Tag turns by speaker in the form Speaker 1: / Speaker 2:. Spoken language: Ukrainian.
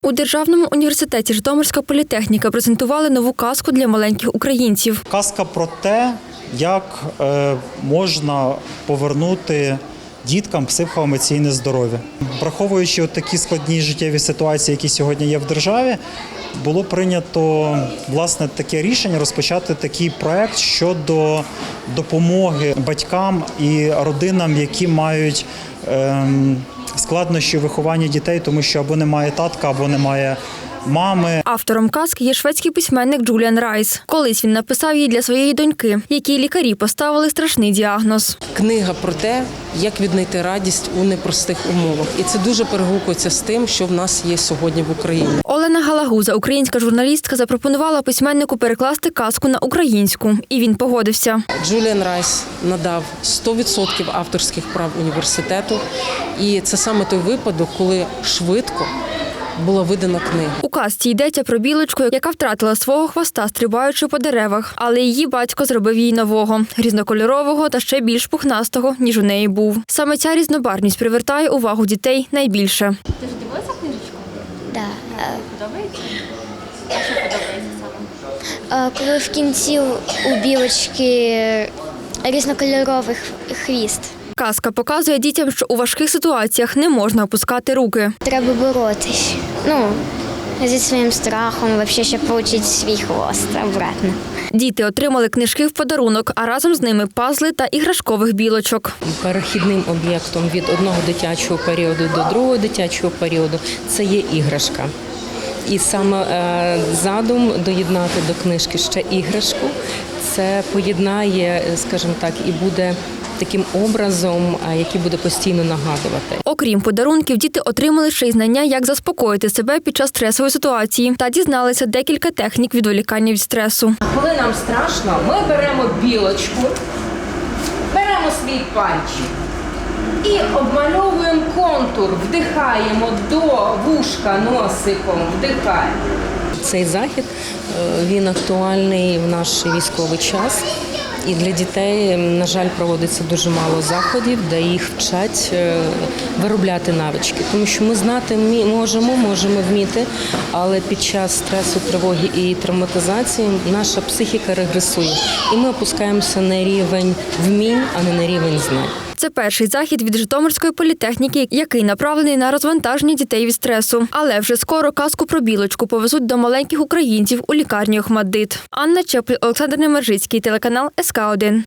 Speaker 1: У Державному університеті Житомирська політехніка презентували нову казку для маленьких українців.
Speaker 2: Казка про те, як можна повернути діткам психоемоційне здоров'я. Враховуючи такі складні життєві ситуації, які сьогодні є в державі, було прийнято власне таке рішення розпочати такий проект щодо допомоги батькам і родинам, які мають складнощі в вихованні дітей, тому що або немає татка, або немає мами.
Speaker 1: Автором казки є шведський письменник Джуліан Райс. Колись він написав її для своєї доньки, якій лікарі поставили страшний діагноз.
Speaker 3: Книга про те, як віднайти радість у непростих умовах. І це дуже перегукується з тим, що в нас є сьогодні в Україні.
Speaker 1: Олена Галагуза, українська журналістка, запропонувала письменнику перекласти казку на українську. І він погодився.
Speaker 3: Джуліан Райс надав 100% авторських прав університету. І це саме той випадок, коли швидко була видана книга.
Speaker 1: У казці йдеться про білочку, яка втратила свого хвоста, стрибаючи по деревах. Але її батько зробив їй нового, різнокольорового та ще більш пухнастого, ніж у неї був. Саме ця різнобарвність привертає увагу дітей найбільше.
Speaker 4: Ти ж дивилася книжечку?
Speaker 5: Да.
Speaker 4: Подобається? А що подобається саме?
Speaker 5: Коли в кінці у білочки різнокольоровий хвіст.
Speaker 1: Казка показує дітям, що у важких ситуаціях не можна опускати руки.
Speaker 5: Треба боротись. Зі своїм страхом, взагалі, щоб отримати свій хвост обратно.
Speaker 1: Діти отримали книжки в подарунок, а разом з ними пазли та іграшкових білочок.
Speaker 3: Перехідним об'єктом від одного дитячого періоду до другого дитячого періоду – це є іграшка. І саме задум доєднати до книжки ще іграшку – це поєднає, скажімо так, і буде таким образом, який буде постійно нагадувати.
Speaker 1: Окрім подарунків, діти отримали ще й знання, як заспокоїти себе під час стресової ситуації та дізналися декілька технік відволікання від стресу.
Speaker 6: Коли нам страшно, ми беремо білочку, беремо свій пальчик і обмальовуємо контур, вдихаємо до вушка носиком, вдихаємо.
Speaker 3: Цей захід, він актуальний в наш військовий час. І для дітей, на жаль, проводиться дуже мало заходів, де їх вчать виробляти навички. Тому що ми знати можемо вміти, але під час стресу, тривоги і травматизації наша психіка регресує. І ми опускаємося на рівень вмінь, а не на рівень знань.
Speaker 1: Це перший захід від Житомирської політехніки, який направлений на розвантаження дітей від стресу. Але вже скоро казку про білочку повезуть до маленьких українців у лікарні Охматдит. Анна Чепль, Олександр Немержицький, телеканал СК1.